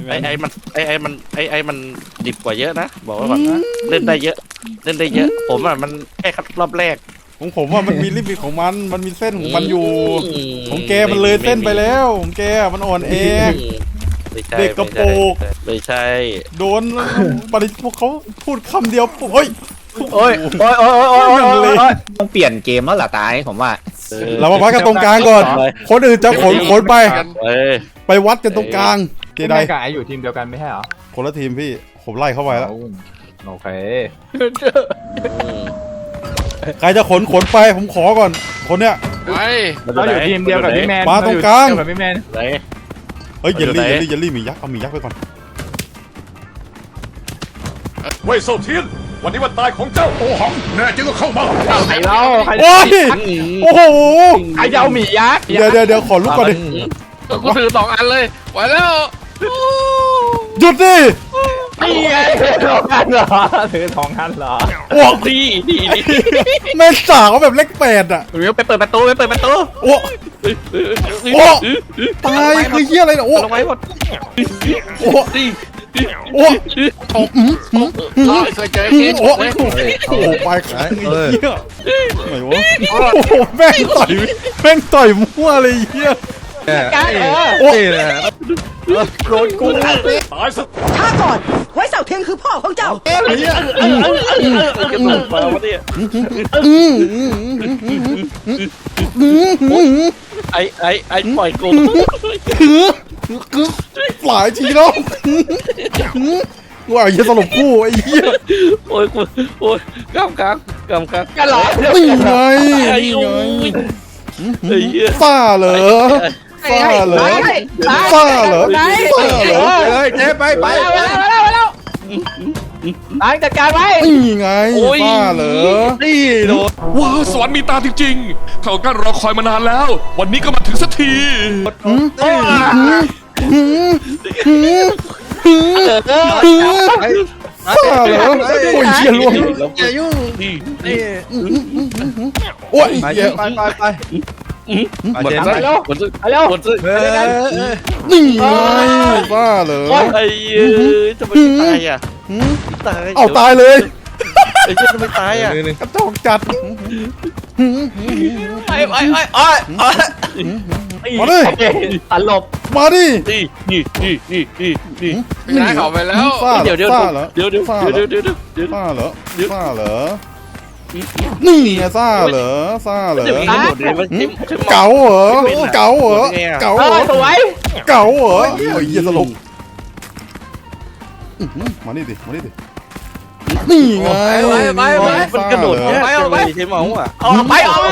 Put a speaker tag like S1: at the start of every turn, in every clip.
S1: ไอ้มันดิบกว่าเยอะนะบอกไว้ก่อนนะเล่นได้เยอะผมอ่ะมันแค่รอบแรก
S2: ผมว่ามันมีลิมิตของมันมีเส้นของมันอยู่ของแกมันเลยเส้นไปแล้วของแกมันอ่อนแอเด็กกระโปง
S1: ไม่ใช่
S2: โดนปริพวกเขาพูดคำเดียวโอ้ย
S3: ต้องเปลี่ยนเกมแล้วล่ะตายผมว่า
S2: เรามาวัดกันตรงกลางก่อนคนอื่นจะขนไปวัดกันตรงกลางเจได
S4: กับไออยู่ทีมเดียวกันไม่ใช่เหรอ
S2: คนละทีมพี่ผมไล่เข้าไปแล้ว
S4: โอเค
S2: ใครจะขนไปผมขอก่อนคนเนี้ย
S4: เราอยู่ทีมเดียวกับพี่แมน
S2: มาตรงกลาง
S4: กับพี่แมน
S2: เฮ้ยเยลลี่มียักษ์เอามียักษ์ไปก่อน
S5: เว่ยเซาเทียนวันนี้วันตายของเจ้าโอหังแน่จริงก็เข้ามา
S4: ใครเล่าใคร
S2: โอ้โห
S4: ใครจะเอาหมี่ยักษ์
S2: เดี๋ยวขอลุกก่อนดิ
S1: กูถือ2 อันเลยไหวแล้ว
S2: หยุดดิ
S4: นี่ไง2 อันเหรอถือ2 อันเหรอ
S2: โอ้
S1: ดี
S2: แม่สาวแบบเลข8อ่ะ
S4: ไปเปิดประตู
S2: โอ้ตายคือเหี้ยอะไรเนี่ยโอ้
S1: ลงไว้หมด
S2: โอ้
S1: เคยเจอเคส
S2: ไปขายเหี้ยไหนวะแม่งต่อยมั่วเลยเหี้ยโอ้
S4: โดนกู
S5: ตายซะ
S6: ช้าก่อนไว้เสาเทียนคือพ่อของเจ้า
S1: ไอ้ปล่อยกู
S2: หลายทีแล้วว่าอย่าสลบคู่ไอ้เหี้ย
S1: โอ้ยกำ
S4: กันหรอ
S2: นี่ไงซ่าเหรอ
S4: เจ๊ไปแล้วล้างจัดการไว้
S2: นี่ไงซ่าเหรอ
S1: นี่โดน
S5: ว้าวสวรรค์มีตาจริงๆเขากั้นรอคอยมานานแล้ววันนี้ก็มาถึงสักที
S2: ซ่าเหรอโอ้ยเชี่ยล่วงโอ้ย
S4: ไป
S1: หมดแล้ว
S2: นี่ไงบ้าเหรอ
S1: ไอ้ทำไมตายอ่ะ
S2: เอาตายเลย
S1: ไอ้เจ้าทำไมตายอ่ะ
S2: กระจอกจัดมาดิ
S4: ตลบ
S2: มาดิ
S1: นี่
S4: ได้เขาไปแล้ว
S1: เดี๋ยว
S2: ซ่าเหรอซ่าเหรอนี่ไงซ่าเหรอเก๋าเหรอ
S4: สวย
S2: เก๋าเหรอโอ้ยเหี้ยสลบมานี่ดินี่ไง
S1: มันกระโดดเนี่ยใช่ไหมอ่ะ
S4: ไป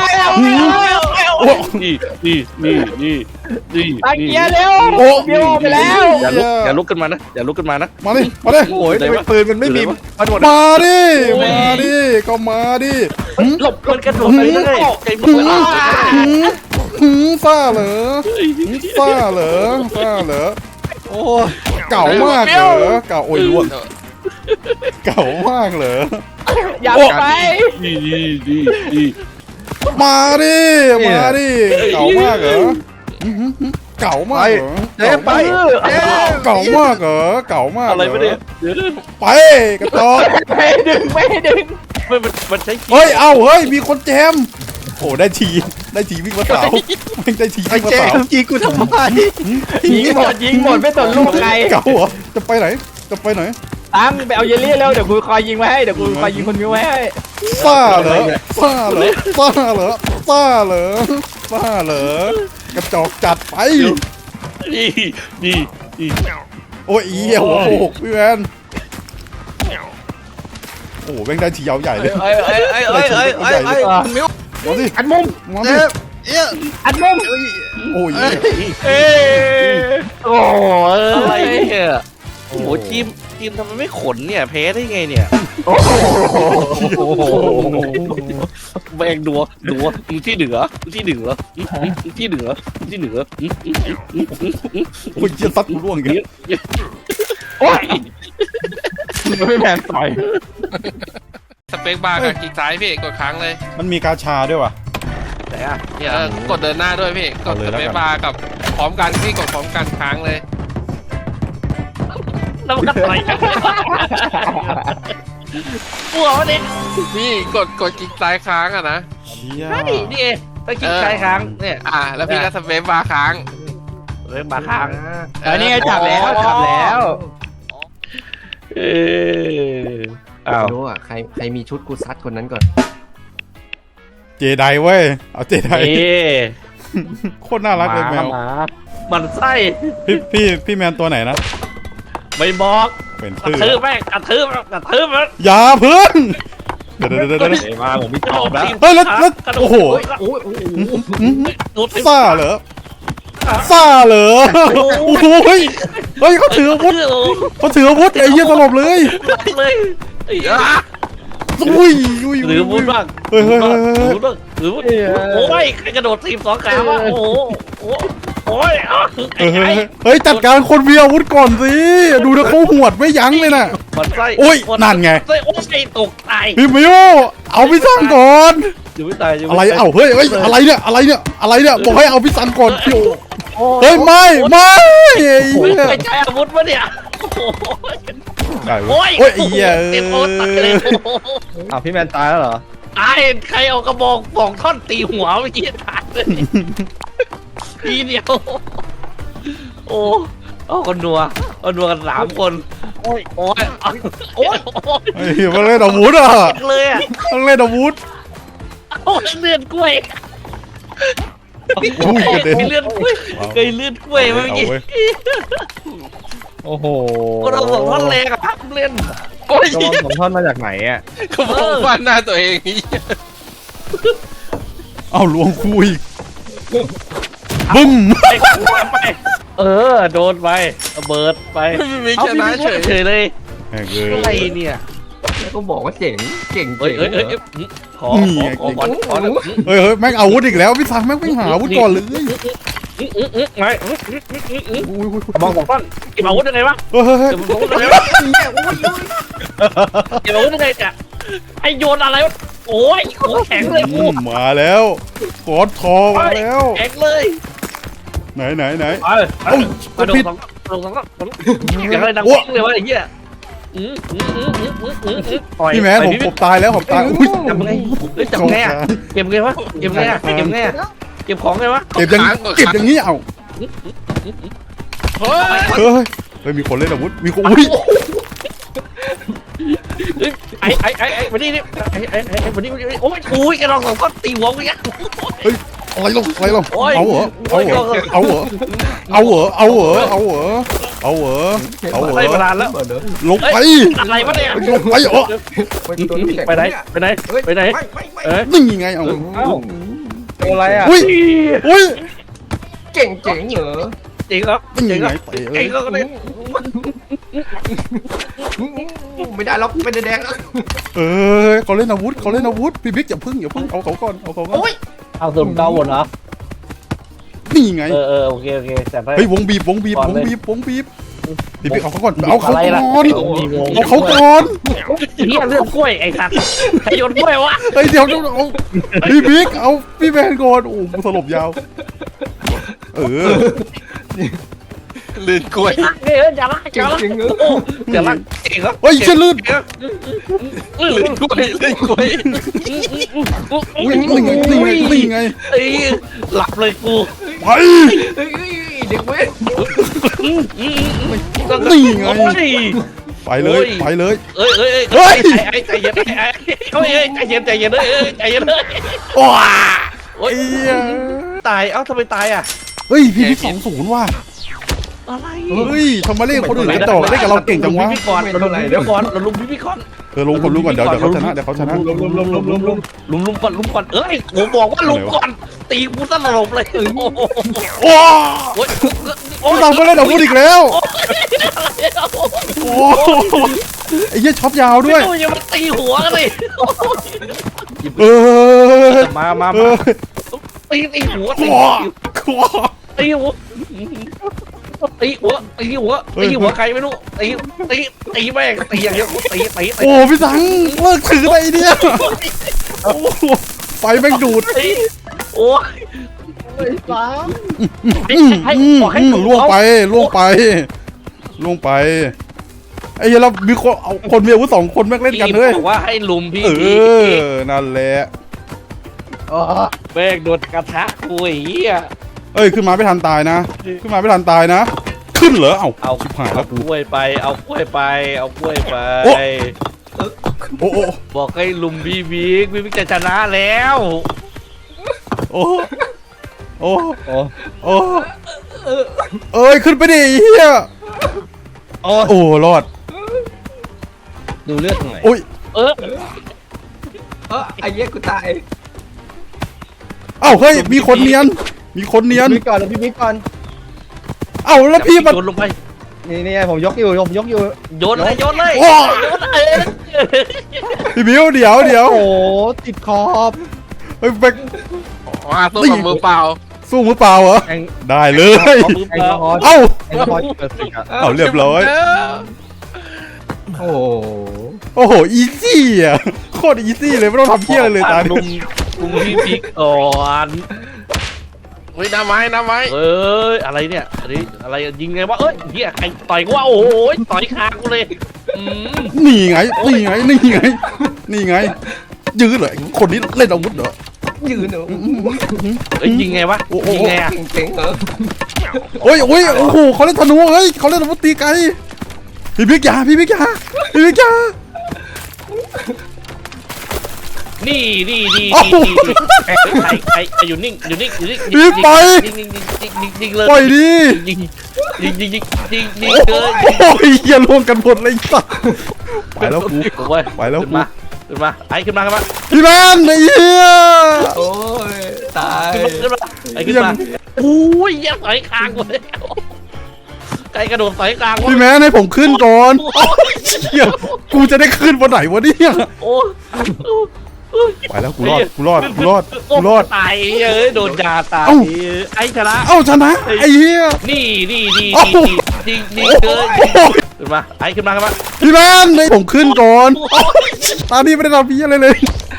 S4: ตะเกียร์เร็วเบี้ยวไปแล้ว
S1: อย่าลุกขึ้นมานะ
S2: มาดิ
S4: โอ้ยปืนมันไม่มี
S2: มาดิก็มาดิ
S1: หลบมันกระโดดไปเลยใจมึง
S2: ซ่าเหรอโอ้เก่ามากเหรอเก่าโอ้ยล้วนเก่ามากเหรอ
S4: อย่าไป
S2: มาดิเก่ามากเหรอเก่ามากเหรอ
S4: ไป
S2: เก่ามากเหรอ
S1: อะไรไม่ได้
S2: ไปกระตอก
S4: ไม่ดึง
S1: มันใช้
S2: เฮ้ยมีคนแจมโอ้ได้ทีวิ่งมาสาวไม่ได้ทีวิ่งมาสาว
S4: จีกูทำไมยิงหมดไม่สนลูกใคร
S2: เก่าเหรอจะไปไหน
S4: ตั้งไปเอาเยลลี่แล้วเดี๋ยวกูคอยยิงไว้ให้ยิงคนมิวไว้ให้
S2: ซ่าเหรอกระจอกจัดไป
S1: นี่
S2: โอ้ยหัวโขกพี่แมนโอ้แม่งได้ทียาวใหญ่เลย
S4: มิว
S2: มาดิ
S4: อัดมุมอัดมุม
S2: โอ้ย
S4: โอ้
S1: อะไรเนี่ยโอ้ทีมทำไมไม่ขนเนี่ยแพ้ได้ไงเนี่ยแบงดัวที่เหนือโ
S2: อ้ยจะซัดร่วงกัน
S4: โอ้ยไม่แมนต่อย
S1: สเปคบาร์กับคลิกซ้ายพี่กดค้างเลย
S2: มันมีกาชาด้วยวะ
S1: แต่เนี่ยกดเดินหน้าด้วยพี่กดสเปคบาร์กับพร้อมกันพี่กดพร้อมกันค้างเลยแล้วมันก็ต่อยกันกลัววะเนี่ย
S7: พี่กดกิ๊กซ้ายค้างอะนะ
S2: เชี่ย
S1: ใช่นี่เองตะกี้ใช้ค้างเนี่ย
S7: แล้วพี่ก็สเปซบาร์ค้าง
S1: เรื่องมาค้าง
S4: นี่ไงจับแล้ว
S1: เอออ้าว
S8: รู้อ่ะใครมีชุดกูซัดคนนั้นก่อน
S2: เจไดเว้ยเอาเจได
S1: เอ๊ะ
S2: โคตรน่ารักเลยแมว
S1: หมามันไส้
S2: พี่แมนตัวไหนนะ
S1: ไม่บอก
S2: เป็น
S1: กระ
S2: ชื่อ
S1: ทืบแม่งกระทืบมัน
S2: อย่าเพิ่งเดี๋ยว
S3: มาผมพี่ตอบแล้ว
S2: เฮ้ยแล้วโอ้โห ซ่าเหรอซ่าเหรอโอ้โหเฮ้ยเขาถืออาวุธไอ้เหี้ยตลบเลย
S1: เลย
S2: อุ้ย
S1: หรือมุดบ้าง
S2: เฮ้ย
S1: หรือมุดโอ้ยใครกระโดดทีม2 ขาวะโอ้โหโอ้ย
S2: เฮ้ยจัดการคนมีอาวุธก่อนสิดูนะเขาหวดไม่ยั้งเลยน่ะ
S1: มันไส้
S2: โอ้ยนั่นไง
S1: ไส้โอ้ยตกตาย
S2: พี่มิวเอาพี่ซังก่อน
S1: อยู่ไม่ตาย
S2: อะไรเอ้าเฮ้ยอะไรเนี่ยบอกให้เอาพี่ซังก่อนพี่เฮ้ยไม่
S1: ไม่ใช่อาวุธวะเนี่ยโอ้ยไอ้เหี้ยเต็มโอ้ตายเลย
S3: อ้าวพี่แมนตายแล้วเหรอ
S1: ตายใครเอากระบอก2 ท่อนตีหัวเมื่อกี้ตายเลยทีเดียวโอ้เอากันนัวกัน3 คนโอ้ยโอ้ย
S2: เฮ้ยมันเล่นอาวุธอ่ะ
S1: เลยอ่ะ
S2: มันเล่นอาวุธ
S1: โอ้ยเลือดกล้วย
S2: อุ้ยกระเด็น
S1: เลือดกล้วยเคยเลือดกล้วยเมื่อกี้
S3: โอ้โห
S1: ก็เรา2 ท่อนแรงอะครับเล่น
S7: โอ้ย
S3: กระบอก2 ท่อนมาจากไหนอ่ะ
S7: ก็ผมฟันหน้าตัวเอง
S2: เอาลวงคุยบึ้ม
S1: เออโดนไประเบิดไป
S7: ไม่ชนะเฉย
S1: เฉยเลย
S2: แม่งเล
S1: อะไร
S2: ย
S1: เนี่ย
S8: ก็บอกว่าเจ๋ง
S1: เฮ้ยขอก่อน
S2: เฮ้ยแม่งอาวุธอีกแล้วพี่ซังแม่งไม่หาอาวุธก่อนเลย
S1: ไงกระบอก2 ท่อนเก็บอาวุธยังไงวะ
S2: เฮ้ย
S1: เก็บอาวุธยังไงวะเก็บอาวุธยังไงจะไอโยนอะไรวะโอ้ยโคแข็งเลยกู
S2: มาแล้วกอดคอมาแล้ว
S1: แข็งเลย
S2: ไหน
S1: เอ้าโดน2 อย่างไรดังปิ้งเลยวะไอ้เหี้ย
S2: พี่แมนผมตายแล้วผมตายอุ้ย
S1: จับไงจับไงอ่ะเก็บไงวะเก็บไงอ่ะเก็บของไงวะ
S2: เก็บอย่างนี้เอา
S7: เฮ้ย
S2: เฮ้ยมีคนเล่นอาวุธมีคนอุ้ย
S1: ไอ้วันนี้นี่ไอ้วันนี้โอ้ยอุ้ยกระรอง2 ท่อนตีหัวกูเนี่ย
S2: อะไรลงเอาเหรอ
S1: ไล่มานานแล้ว
S2: ลงไป
S1: อะไรวะเนี่ย
S2: ลงไปเหรอ
S1: ไปไหน
S2: นี่ไงเอา
S3: ตัวอะไรอ่ะ
S2: อุ้ย
S8: เจ๋งเหรอ
S1: จริงครับ
S2: นี่ไง
S1: จริงก็ได้
S8: ไม่ได้แล้วเป็นแดงแล้ว
S2: เขาเล่นอาวุธพี่บิ๊กอย่าพึ่งเอาเขาก่อน
S1: เอาส่วนเก้าวนเหรอ
S2: นี่ไง
S1: โอเคแต่ไป
S2: เฮ้ยวงบีบพี่บิ๊กเอาเขาก่อนเอาเขาก่อน
S1: เฮียเลือดกล้วยไอ้สัตว์ใครโยนกล้วยวะ
S2: เฮ้ยเดี๋ยวเอาพี่บิ๊กเอาพี่แมนก่อนโอ้สลบยาว
S7: ลื่นกล้วย
S1: อย่าละเก่งครับ
S2: เฮ้ยเชื่อลื่น
S7: ลื่นกล้วย
S2: นี่ไง
S1: หลับเลยกู
S2: ไป
S8: เด็กเว้ย
S2: นี่ไง ไปเลย
S1: ใจเย็นใจเย็นเลย
S2: ว้า
S1: ตายทำไมตายอ่ะ
S2: เฮ้ยพี่บิ๊ก2-0ว่ะ
S1: อะไร
S2: เฮ้ยทำไมเล่นคนอื่นกันต่อเล่นกับเราเก่งจังวะ
S1: พี่ก่อนเราลุมพี่ก่อน
S2: ลงก่อนเดี๋ยวเขาชนะ
S1: ลุมก่อนเอ้ยผมบอกว่าลุมก่อนตีกูสลบเลย
S2: ว้าเราก็เล่นอาวุธอีกแล้วไอ้เหี้ยช็อปยาวด้วย
S1: ยังมาตีหัวกันเลยมาตีหัวใครไม่รู้ตีแม่งตีอย่างเดียวตี
S2: โอ้พี่สังเลิกถือไปเนี่ยไฟแม่งดูด
S1: โอ้ยให้
S2: ล่วงไปไอ้เหี้ยเรามีคนเอาคนมีอาวุธ2 คนแม่งเล่นกันเลย
S1: บอกว่าให้ลุมพี่
S2: เอ
S1: พี
S2: อนั่นแหละ
S1: แม่งโดนกระทะกูไอ้เหี้ย
S2: เอ้ยขึ้นมาไม่ทันตายนะ ขึ้นมาไม่ทันตายนะ ขึ้นเหรอเอ้า
S1: เอา
S2: ชิบหายแล้ว
S1: ก
S2: กู
S1: ล้วยไปเอากล้วยไปเอากล้วยไป
S2: โอ้โอ้
S1: บอกให้ลุมพี่บิ๊กจะชนะแล้ว
S2: โอ้โอ้โอ้เอ้ยขึ้นไปดิไอ้เฮียโอ้รอด
S3: ดูเลือดหน่อย
S2: โอ้ย
S1: เออ
S8: ไอ้เหี้ยกูตาย
S2: เอ้าเฮ้ยมีคนเนียนมีคนเนียน
S3: พี่ก่อนแล้วพี่บิ๊กก่อน
S2: เอ้าแล้วพี่มัน
S1: โยนลงไป
S3: นี่ผมยกอยู่ผมยกอยู่
S1: โยนเลยโยนเลย
S2: โอ้
S1: โยนเลย
S2: พี่บิวเดี๋ยว
S3: โอ้โหติดขอบ
S2: เฮ้ยไป
S7: มาสู้กับมือเปล่า
S2: สู้มือเปล่าเหรอ
S3: แอง
S2: ได้เลย
S1: เอามือ
S3: แอ
S1: เป
S3: ล
S1: ล่าก
S3: อฮอล์
S2: เอ้า
S3: แอลกอฮอล์เปิดสิครับ
S2: เอาเรียบร้อย
S3: โอ้โห
S2: โอ้โหอีซี่อ่ะโคตรอีซี่เลยไม่ต้องทำเพี้ยอะไรเลยตา
S1: ลุ
S2: เนี่ย
S1: มพี่บิ๊กก่อน
S7: เฮ้ยน้ำไม้น้ำไม้
S1: เอ้ยอะไรเนี่ยอันนี้อะไรยิงไงวะเอ้ยเฮียใครต่อยกูวะโอ้ยต่อยคางกูเลยอืม
S2: นี่ไงนี่ไงนี่ไงนี่ไงยื้อเลยคนนี้เล่นอาวุธเหรอ
S8: ยืนเหรอ
S1: เอ้ยยิงไงวะยิงไงอะ
S8: เจ๋งเหรอ
S2: โอ้ยโอ้ยโอ้โหเขาเล่นธนูเฮ้ยเขาเล่นอาวุธตีไกลพี่บิ๊กยาพี่บิ๊กยาพี่บิ๊กยา
S1: นี่นี่
S2: โอ้โห
S1: ใครอยู่นิ่งอยู่นิ่งอยู่นิ่ง
S2: พี่ไป
S1: ยิงเลย
S2: ปล่อยดิ
S1: ยิง
S2: โ
S1: เลย
S2: อ้ยเฮียรวมกันหมดเลยสัสไปแล้วกู
S1: โอ้ย
S2: ไปแล้ว
S1: ขึ้น
S2: กู
S1: มาขึ้นมาไอ้ขึ้นมาขึ้นมา
S2: พี่แมนไอ้เหี้ย
S8: โอ้ยตาย
S1: ขึ้นมาไอ้ขึ้นมาโอ้ยยังต่อยคางเลยไก่กระโดดต่อยคาง
S2: พี่แมนให้ผมขึ้นก่อนโอ้ยเหี้ยกูจะได้ขึ้นวันไหนวะเนี่ย
S1: โอ้
S2: ไปแล้วกูรอดกูรอดกูรอดกูรอด
S1: ตายเอ้ยโดนยาตาย
S2: เอ้า
S1: ไอ้ชนะ
S2: เอ้าชนะไอ้เหี้ย
S1: นี่
S2: โอ้โห
S1: จริง
S2: โอ้
S1: เกิน
S2: โห
S1: ขึ้นมาไอ้ขึ้นมาขึ้นมา
S2: พี่แมนให้ผมขึ้นก่อนโอ้ยตอนนี้ไม่ได้ทำพี่อะไรเลย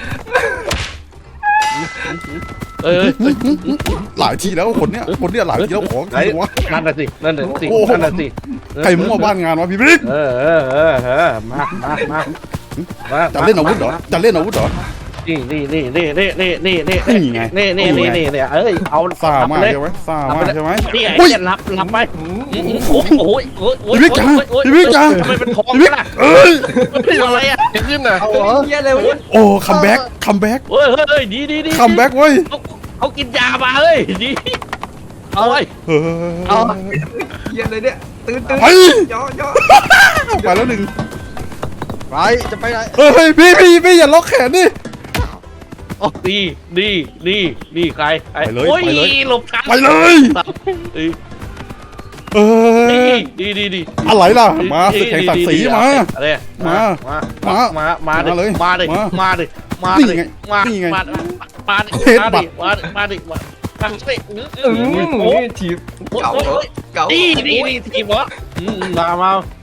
S1: เอ้ย
S2: หลายทีแล้วคนเนี้ยหลายทีแล้วของจ
S1: ไอ้
S2: ริงวะ
S1: นั่นน่ะสินั่นน่ะสิ
S2: โอ้โห
S1: นั่นน่ะสิ
S2: ใครมั่วบ้านงานวะพี่บิ๊ก
S1: มา
S2: จะเล่นอาวุธเหรอจะเล่นอาวุธเหรอ
S1: นี่ไงนี่เอ้ยเอา
S2: ซ่ามาก
S1: เลย
S2: ใช่ไหมซ่ามากใช่ไหม
S1: นี่ไง
S2: อุ้ย
S1: รับไปโอ้ย
S2: พี่บิ๊กจ๋าพี่บิ๊กจ๋า
S1: ทำไมเป็นทอง
S2: พี่บิ๊ก
S1: ล่ะ
S2: เอ้ย
S1: เป็นอะไรอ่ะ
S7: จะขึ้นน่ะ
S3: เอาเหรอ
S8: เหี้ยอะไรวะเนี่ย
S2: โอ้คัมแบ็กคัมแบ็ก
S1: เฮ้ยดี
S2: คัมแบ็กเว้ย
S1: เขากินยามาเฮ้ยดีเอาไว้
S2: เฮ้ย
S8: เหี้ยอะไรเนี่ยตื่น
S2: ไป
S8: ย่อ
S2: ไปแล้วหนึ่ง
S3: ไปจะไปไหน
S2: เฮ้ยพี่อย่าล็อกแขนดิ
S1: นี่ใครหลบกัน
S2: ไปเลยเอ้ย
S1: ดี
S2: อะไรล่ะมาศึกแห่งศักดิ์ศรีมา
S1: อะไรมาดิ
S8: ถีบเก่าเหรอเก่า
S1: นี่ทีมวะมา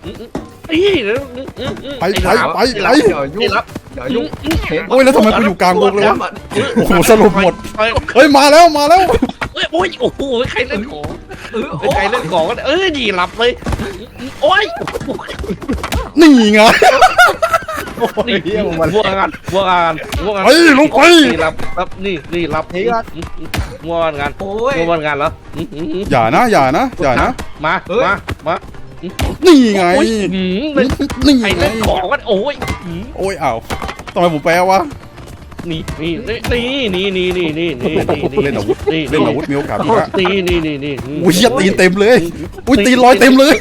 S2: ไป
S8: อย่ายุ่งอย่ายุ่ง
S2: โอ้ยแล้วทำไมกูอยู่กลางวงเลยวะโอ้โหสรุปหมดเฮ้ยมาแล้ว
S1: โอ้ยโอ้โหใครเล่นของใครเล่นของกันดีหลับเลยโอ้ย
S2: นี่ไง
S1: นี่วัวงาน
S2: ไปลงไป
S1: นี่รับนี่รับวัวงาน
S8: โอ้ย
S1: วัวงานแล้ว
S2: อย่านะ
S1: มา
S2: นี่ไงนี่
S1: ใคร
S2: ไง
S1: เล่นของกันโอ้ย
S2: โอ้ยอ้าวทำไมผมแปลวะ
S1: นี่
S2: เล่นอาวุธมีโอกาสอีกละ
S1: นี่
S2: อุ้ยตีนเต็มเลยอุ้ยตีนลอยเต็มเลย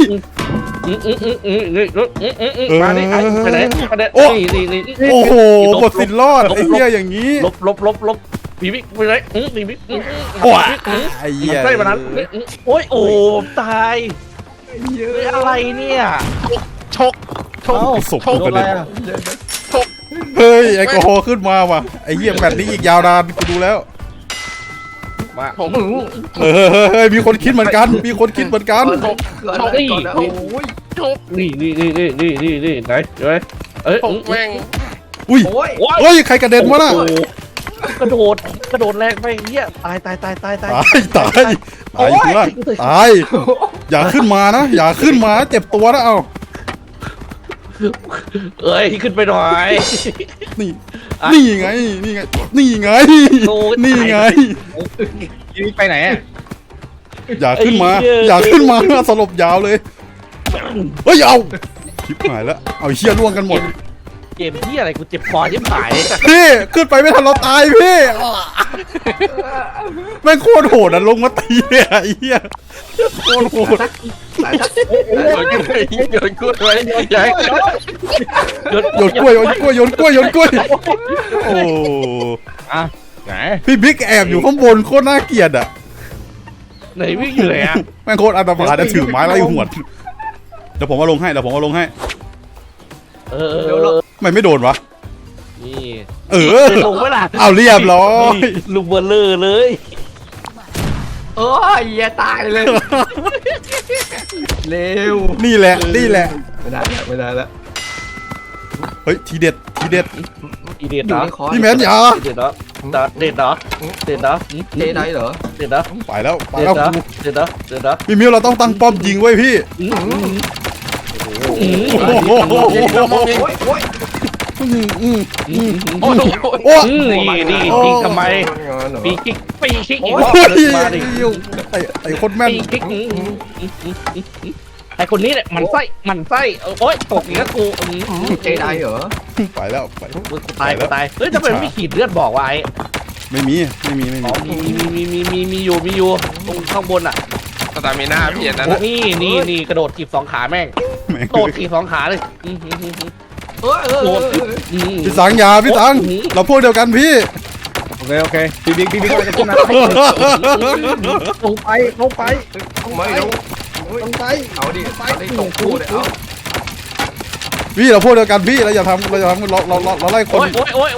S1: มาดิไปไหนนี่
S2: โอ้โหบทสินรอดไอ้เหี้ยอย่างนี้
S1: ลบปีบิ๊กไปไหนปีบิ๊ก
S2: โอ้ยไอ้เหี้ย
S1: ใกล้มานั้นโอ้ยโอ้ตายอะไรเนี่ย
S7: ชก
S2: ศพกูกระเด็นเฮ้ยแอลกอฮอล์ขึ้นมาว่ะไอ้เหี้ยแบบนี้อีกยาวนานกูดูแล้ว
S1: มา
S7: ผม
S2: เฮ้ยมีคนคิดเหมือนกันโ
S8: ก่อนนะโอ้ย
S7: ชก
S1: นี่ไหนเดี๋ยวเอ้ย
S7: ผมแม่ง
S2: อุ้ย
S8: โอ้ย
S2: เฮ้ยใครกระเด็นวะน่ะ
S1: กระโดดแรงไปเหี้ยตาย
S2: ตายอยู่ล่างตายอย่าขึ้นมานะอย่าขึ้นมาเจ็บตัวนะเอา
S1: เอ้ยขึ้นไปหน่อย
S2: นี่นี่ไงนี่ไงนี่ไง
S1: โอ้ย
S2: นี่ไง
S3: นี่ไปไหนอ่ะ
S2: อย่าขึ้นมา
S1: ไอ้เหี้ย
S2: อย่าขึ้นมาสลบยาวเลยเฮ้ยเอาชิบหายแล้วเอาเชี่ยล่วงกันหมด
S1: เกมที่อะไรกูเจ็บคอชิบหาย
S2: พี่ขึ้นไปไม่ทันเราตายพี่แม่งโคตรโหดอ่ะลงมาตีเลยอ่ะไอ้เหี้ยโคตรโหด
S8: สายทัก
S7: โยนกล้วยไว้ใหญ่
S2: โยนกล้วยโยนกล้วยโยนกล้วยโยนกล้วยโอ้
S3: ไหน
S2: พี่บิ๊กแอบอยู่ข้างบนโคตรน่าเกลียดอ่ะ
S1: ไหนวิ่งอยู่ไหนอะ
S2: แม่งโคตรอันตรายจะถือไม้ไล่หวดเดี๋ยวผมมาลงให้เดี๋ยวผมมาลงให้
S1: เออ
S2: ทำไมไม่โดนวะ
S1: นี่
S2: เออ
S1: ลงเวลา
S2: เอาเรียบร้อย
S1: ลูกเบลเลอร์เลย
S8: โอ้ยอย่าตายเลยเร็ว
S2: นี่แหละนี่แหละ
S8: ไม่ได้แล้วไม่ได้แล้ว
S2: เฮ้ยทีเด็ดทีเด็ด
S1: อีเด็ด
S8: อยู่
S1: เนาะ
S8: ในคอ
S2: พี่แมนอย่า
S1: เด็ดเนาะเด็ดเนาะเด็ดเนาะ
S8: เจไดเหรอ
S1: เด็ดเนาะ
S2: ไปแล้วไป
S1: เด็ด
S2: แล้ว
S1: เนาะเด็ดเนาะเด็ดเนาะ
S2: พี่มิวเราต้องตั้งป้อมยิงไว้พี่
S1: อืม
S2: โอ้โห
S8: โอ้ยโอ้ย
S2: อืมอืมอืม
S7: โอ้โห
S2: โอ้
S1: นี่ยิงทำไมปีคิกปีคิกอีกรอบ
S2: โอ้ย
S1: นึงมาดิ
S2: ไอ้คนแม่น
S1: ปีคิกไอคนนี้แหละมันไส้มันไส้โอ๊ยตกอีกแล้วกู
S8: เจไดเหรอ
S2: ไปแล้วไป
S1: กูตายกูตายเฮ้ยทำไมไม่ขีดเลือดบอกว่าไอ้
S2: ไม่มีไม่มี
S1: อ๋อมีอยู่ตรงข้างบนอ่ะ
S7: สตามิน่าเปลี่ยนนะ
S1: นี่กระโดดถีบสองขาแม่ง
S2: แม่ง
S1: โดดถีบสองขาเลย
S2: พี่สังอย่าพี่สังเราพวกเดียวกันพี่
S3: โอเคโอเคพี่บิ๊กเราจะขึ้นมาลงไปลงไป
S8: ไม่รู้
S3: ลงไป
S8: เอาดิเอาดิตกคู่เลยเอา
S2: พี่เราพวกเดียวกันพี่เราอย่าทำเราไล่คน
S1: โอ๊ย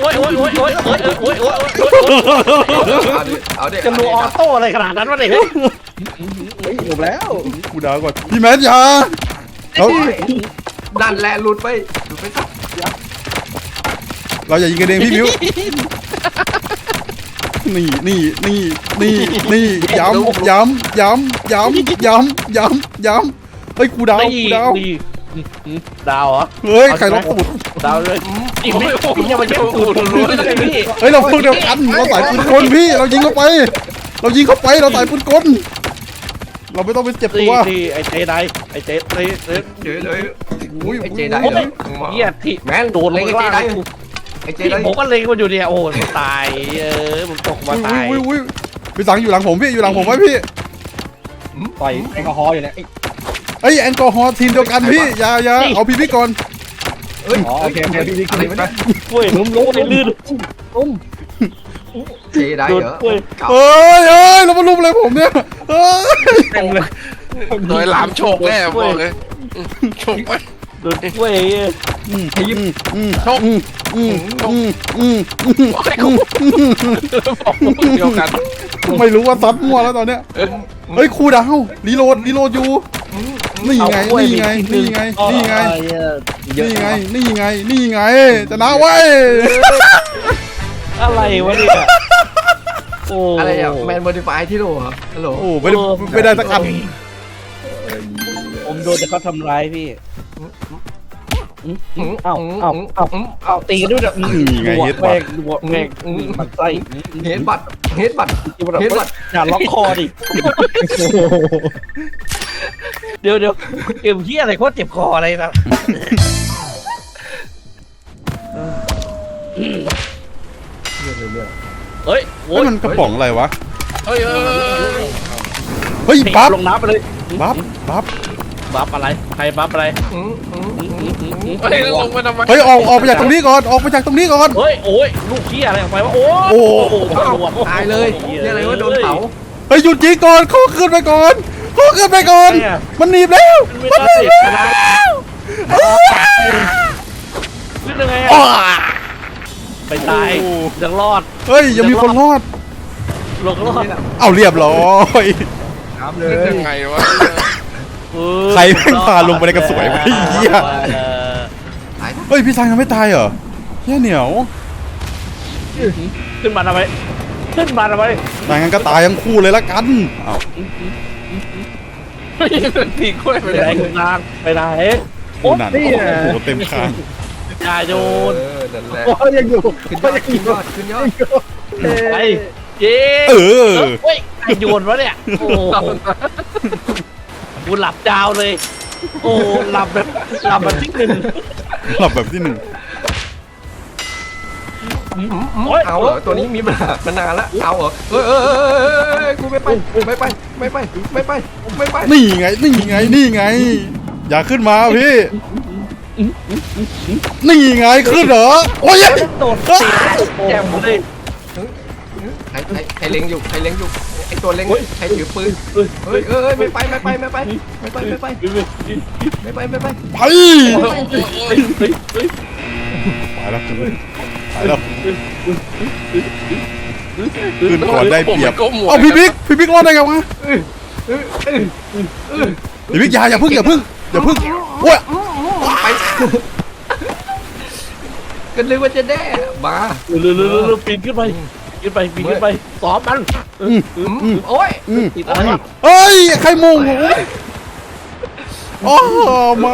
S8: เอาดิ
S1: จะรัวออโต้อะไรขนาดนั้นวะเนี่ย
S3: จบแล้ว
S2: กูด่าก่อนพี่แมนอย่าเรา
S8: ดันแลหลุดไปสัก
S2: เราอย่ายิงกันเองพี่มิวนี่ย้ำเฮ้ยกูดาว
S1: ดาวเหรอ
S2: เฮ้ยใครล็อกตูด
S1: ดาวเลยอีกไม่ยังมาเย็บตูดรู้เลยพี่
S2: เฮ้ยเราพวกเดียวกันเราสายปืนกลพี่เรายิงเข้าไปเราสายปืนกลเราไม่ต้องไปเจ็บตัว
S1: นี่ไอเจไดไอเจ
S8: เดี๋ยวเลย
S2: อุ้ย
S8: ไอเจไดเหรอ
S1: เฮียที่
S8: แมน
S1: โดนลงล่าง
S8: ไอเจได
S1: ผมก็เล็งมันอยู่เนี่ยโอ้มันตายมันตกมาตาย
S2: อุ้ยพี่สังอยู่หลังผมพี่อยู่หลังผมไว้พี่
S3: ต่อยแอลกอฮอล์อยู่เนี่ย
S2: เฮ้ยแอลกอฮอล์ทีมเดียวกันพี่อย่าเอาพี่ก่อน
S3: อ๋อโอเคพี่บิ๊กขึ้นไป
S1: กล้วยล้มในลื่น
S8: เจไดเหรอ
S2: เฮ้ยเรามาลุมอะไรผมเนี่ยเฮ้ย
S1: เต็มเลย
S7: โดยหลามโฉกแน่บอกเลยโฉกไป
S1: โดนกล้วย
S7: โฉกเดียวกัน
S2: ไม่รู้ว่าซัดมั่วแล้วตอนเนี้ยเฮ้ยครูดาวรีโหลดอยู่นี่ไงชนะไว้
S1: อะไรวะเนี่ยโอ้
S8: อะไรอ่ะแมนโมดิฟายที่โหลเหรอฮัลโหล
S2: โอ้ไม่ได้สักอัน
S1: ผมโดนแต่เขาทำร้ายพี่เอาตีกันด้วยแบบแม่งมันไส้
S8: เฮดบัต
S1: อย่าล็อกคอดิเดี๋ยวเกมเฮียอะไรโคตรเจ็บคออะไรนะเฮ้ยโว้ย
S2: มันกระป๋องอะไรวะ
S7: เฮ้ย
S2: เฮ้ยบัฟ
S1: ลงน้ำไปเลย
S2: บัฟ
S1: อะไรใครบัฟอะไร
S7: เฮ้ยลงมาทำไม
S2: เฮ้ยออกไปจากตรงนี้ก่อน
S1: เฮ้ยโอ้ยลูกขี้อะไรออกไปวะโอ้
S8: ตายเลยนี่อะไรว่าโดนเผา
S2: เฮ้ยหยุดยิงก่อนเขาขึ้นไปก่อนมันหนีบแล้ว
S1: ไม่ได้ชนะขึ้นยังไงไปตายยังรอด
S2: เฮ้ยยังมีคนรอด
S1: รอด
S2: เอาเรียบร้อย
S3: น้ำเล
S7: นึก
S3: ย
S7: ยังไงวะ
S2: ใครแม่งพาลงไปในกระสวยไอ้เหี้ยเฮ้ยพี่ซังยังไม่ตายเหรอเหี้ยเหนียว
S1: ขึ้นมาทำไม
S2: นายงั้นก็ตายทั้งคู่เลยละกันอ้าว
S7: ตีกล้วยไป
S1: ไป
S7: เล
S1: ไหน
S7: ย
S1: คุณนางไปไหน
S2: โดูนั่นโอ้โหเต็มคาง
S1: อย่าโยน
S8: นั่นแหละ
S3: โอ้ยยังอยู่
S8: ขึ้นยอดขึ้นยอดขึ้นยอด
S1: ไปเย้
S2: เออ
S1: เฮ้ยใครโยนวะเนี่ยโอ้กูหลับยาวเลย โอ้หลับแบบที่หนึ่ง
S2: หลับแบบที่หนึ่ง
S1: โอ้ย
S8: เอาเหรอตัวนี้มีปัญหามานานแล้วเอาเหรอกูไม่ไปไม่ไปไม่ไปไม่ไปไม่ไป
S2: นี่ไงนี่ไงนี่ไง อย่าขึ้นมาพี่ นี่ไงขึ้นเหรอโอ้ย
S1: โดดตีแจ่มเลย
S8: ใครเล็งอยู่ใครเล็งอยู่ไอตัวเล็งใครถือปืนเฮ้ยไม่ไปไม่ไปไม่ไปไม่ไปไม่ไปไม่ไปไม่ไป
S2: ไปไปแล้วไปแล้วขึ้นก่อนได้เปรียบเอาพี่บิ๊กรอดได้ไงวะพี่บิ๊กอย่าพึ่งโอ้ย
S8: ไปกันเลยว่าจะแน่มา
S1: เร็วปีนขึ้นไปปีนขึ้นไปซ้อมมัน
S8: โอ้ย
S1: ติดอะไร
S2: เฮ้ยใครโมงผมโอ้ไม่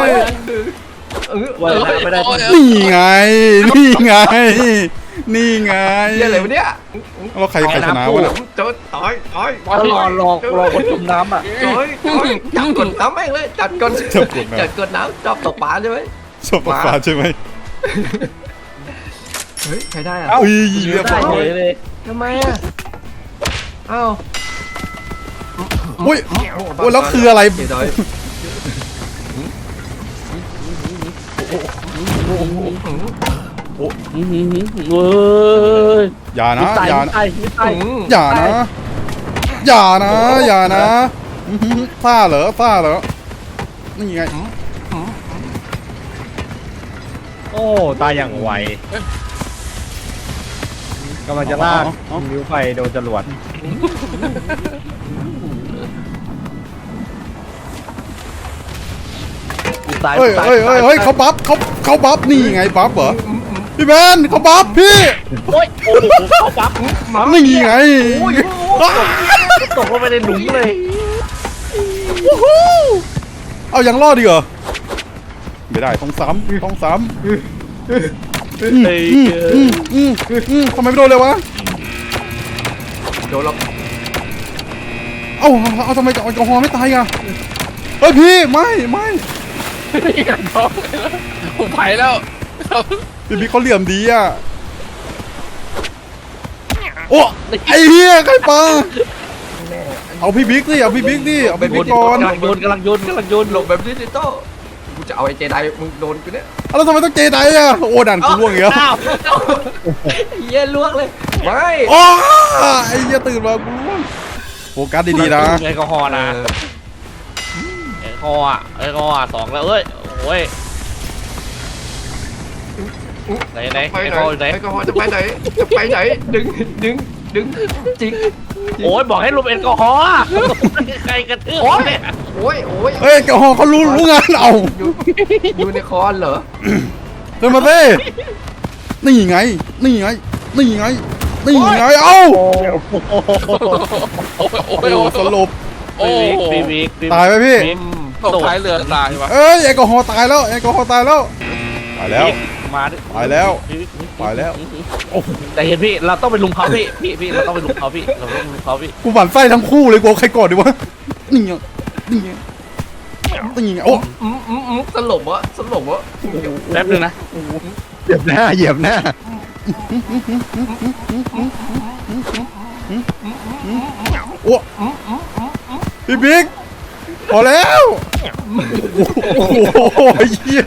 S1: ไม่ได้
S2: นี่ไงนี่ไงนี่ไง
S8: อะไรวะเนี่ย
S2: แล้วใครชนะวะเนี่ย
S8: จดต่อย
S1: รอคนจมน้ำอ่ะ
S8: จับกดน้ำแม่งเลยจับกดน้ำจับตกปลาใช่ไหม
S2: ชอบปลาใช่ไหม
S8: เฮ้ยใครได้อ่ะ
S2: อุ้ยเรียบร้
S1: ได้
S2: อย
S1: เลย
S8: ทำไมอ่ะอ้าว
S2: อุ้ยแล้วคืออะไร
S8: เดี๋ยวดอย
S1: เว้ย
S2: อย่านะ
S1: ตาย
S2: อย่า
S1: ตายตาย
S2: อย่านะอย่านะอย่านะซ่าเหรอนี่ไง
S3: โอ้ตายอย่างไวกำลังจะลากนิ้วไปโดนจรวด
S1: ตาย
S2: เฮ้ยเขาบัฟนี่ไงบัฟเหรอพี่แมนเขาบัฟพี่
S1: โอ้ยโอ้โหเขาปั๊บ
S2: นี่ไง
S1: ตกลงไปในหลุมเลย
S2: เอายังรอดดีเหรอไม่ได้ต้องซ้ำทำไมไม่โดนเลยวะ
S8: โดนเรา
S2: เอาทำไมแอลกอฮอล์ไม่ตายอ่ะเฮ้ยพี่ไม่
S7: ผมไปแล้ว
S2: พี่บิ๊กเขาเหลี่ยมดีอ่ะโอ้ไอ้เหี้ยใครปลาเอาพี่บิ๊กดิเอาพี่บิ๊กก่อน
S1: กำลังโยน
S8: หลบแบบดิจิตอลกูจะเอาไอ้เจไดมึงโดนกูเนี่ย
S2: แล้วทำไมต้องเจไดอ่ะโอ้ดันกูล่วงอีกแล้ว
S1: อ้าว
S8: เยี่ยลวกเลยไม่
S2: โอ้ไอ้เหี้ยตื่นมากูล่วงโฟกัสดีๆนะ
S1: แอลกอฮอล์นะแอลกอฮอล์สองแล้วเอ้ยโอ้ยไหน
S8: ไป
S1: แอล
S8: ไหน
S1: กอฮอล์ไหน
S8: แอลกอฮอล์จะไปไหนดึงจริง
S1: โอ้ยบอกให้ลบแอลกอฮอล์ใครกระทืบเนี่ย
S8: โอ้ย
S2: เฮ้ยแอลกอฮอล์เขารู้งานเอา
S8: อยู่ในคอนเหรอ
S2: เดินมาสินี่ไงเอ้าโอ้สลบ
S7: โอ้
S1: ปีวิก
S2: ตายไหมพี่
S7: ตกท้ายเรือตายวะ
S2: เอ้ยแอลกอฮอล์ตายแล้ว
S1: มาดิ
S2: ตายแล้ว
S1: แต่เห็นพี่เราต้องไปลุมเขาพี่เราต้องไปลุมเขาพี่
S2: กูหมั่นไส้ทั้งคู่เลยกูเอาใครก่อนดีวะนี่ไงโอ้
S8: สลบวะ
S1: แป๊บนึงนะ
S3: เหยียบหน้า
S2: โอ้พี่บิ๊กพอแล้วโอ้โหเหี้ย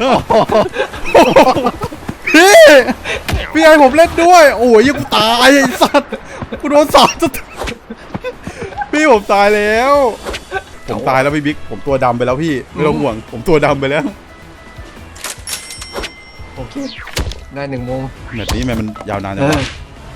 S2: พี่ไอผมเล่นด้วยโอ้ยยังกูตายไอ้สัตว์กูโดนสาดจะพี่ผมตายแล้วพี่บิ๊กผมตัวดำไปแล้วพี่ไม่ต้องห่วงผมตัวดำไปแล้ว
S8: โอเคได้1 โมง
S2: แบบนี้มันยาวนานจังวะ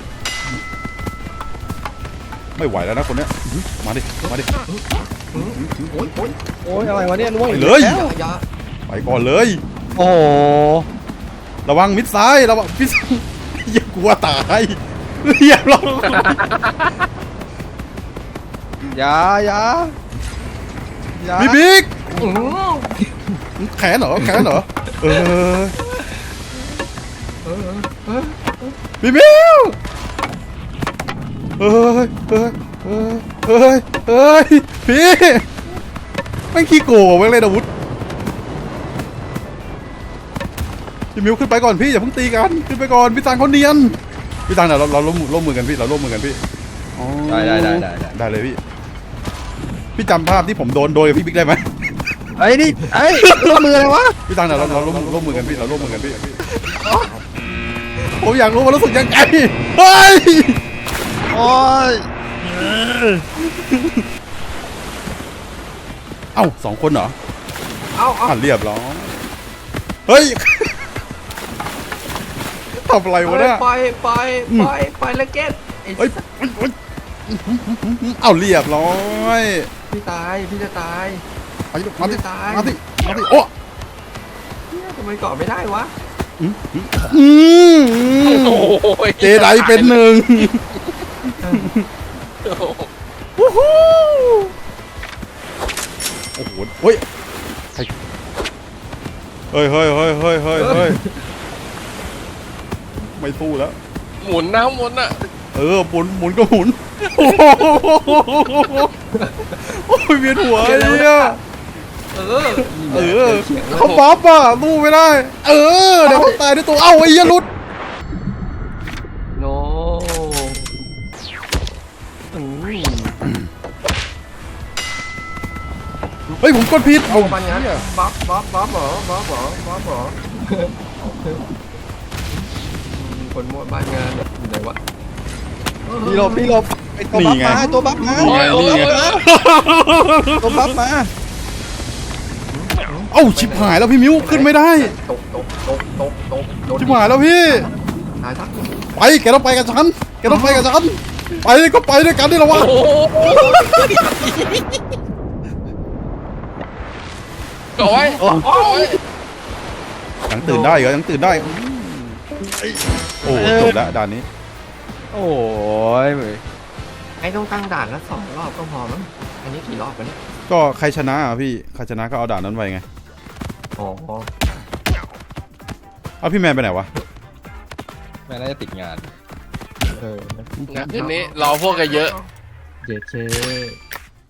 S2: ไม่ไหวแล้วนะคนเนี้ยมาดิ
S8: โอ้ย
S3: โอ้ยอะไรวะเนี่ยล่วง
S2: ไป
S3: อีก
S2: เลย
S3: แล้ว
S8: อย่า
S2: ไปก่อนเลย
S3: โอ้โห
S2: ระวังมิดซ้ายระวังมิดซ้ายอย่ากลัวตายเรียบร้อย
S3: อย่า
S2: พี่บิ๊กแขนเหรอแขนเหรอเออพี่มิวเฮ้ยพี่แม่งขี้โกงแม่งเลยอาวุธพี่มิวขึ้นไปก่อนพี่อย่าเพิ่งตีกันขึ้นไปก่อนพี่ตังเขาเนียนพี่ตังเดี๋ยวเราร่วมมือกันพี่เราร่วมมือกันพี่อ๋อได้เลยพี่จำภาพที่ผมโดนกับพี่บิ๊กได้ไหม
S3: ไอ้นี่ไอ้ร่วมมืออะไรวะ
S2: พี่ตังเดี๋ยวเราร่วมมือกันพี่เราร่วมมือกันพี่ผมอยากรู้ว่ารู้สึกยังไงเฮ้ย
S3: โอ้ย
S2: เอ้าสองคนเหรอ
S8: เอา
S2: เรียบร้อยเฮ้ยทำอะไรวะเนี่ย
S8: ไปแล้วเก็ต
S2: เฮ้ยเอาเรียบร้อย
S8: พี่ตายพี่จะตาย
S2: มาสิโอ้
S8: ทำไมเกาะไม่ได้วะ
S1: โอ้ย
S2: เจไดเป็นหนึ่งวู้ฮู้โอ้โหเฮ้ยเฮ้ยไม่สู้แล้ว
S7: หมุนนะหมุนอ่ะ
S2: หมุนก็หมุนโอ้ยเวียนหัวเนี่ยเขาบัฟอ่ะสู้ไม่ได้เดี๋ยวเขาตายด้วยตัวเอ้าไอ้ยหลุด
S8: โน
S2: เฮ้ยผมกดผิดเอา
S8: มันงั้นบ๊อบเหรอคนมั่วบ้านงานอยู่ไหนวะ
S3: พี่หลบไอ้ตัวบัฟมาตัวบัฟมา
S2: เอ้าชิบหายแล้วพี่มิ้วขึ้นไม่ได้
S8: ตก
S2: ชิบหายแล้วพี่
S8: หายทัก
S2: ไปแกต้องไปกับฉันไปก็ไปด้วยกันนี่หรอวะ
S7: เกาะไว้เกาะไว้
S2: ยังตื่นได้เหรอยังตื่นได้โอ้จบแล้วด่านนี้
S3: โอ้ย
S8: ไอ้ต้องตั้งด่านละ2 รอบก็พอมั้งอันนี้กี่รอบวะเนี่ย
S2: ก็ใครชนะอ่ะพี่ใครชนะก็เอาด่านนั้นไปไง
S8: อ๋อ
S2: เอาพี่แมนไปไหนวะ
S3: แม่น่าจะติดงาน
S7: งั้นทีนี้รอพวกกันเยอะ
S8: เจ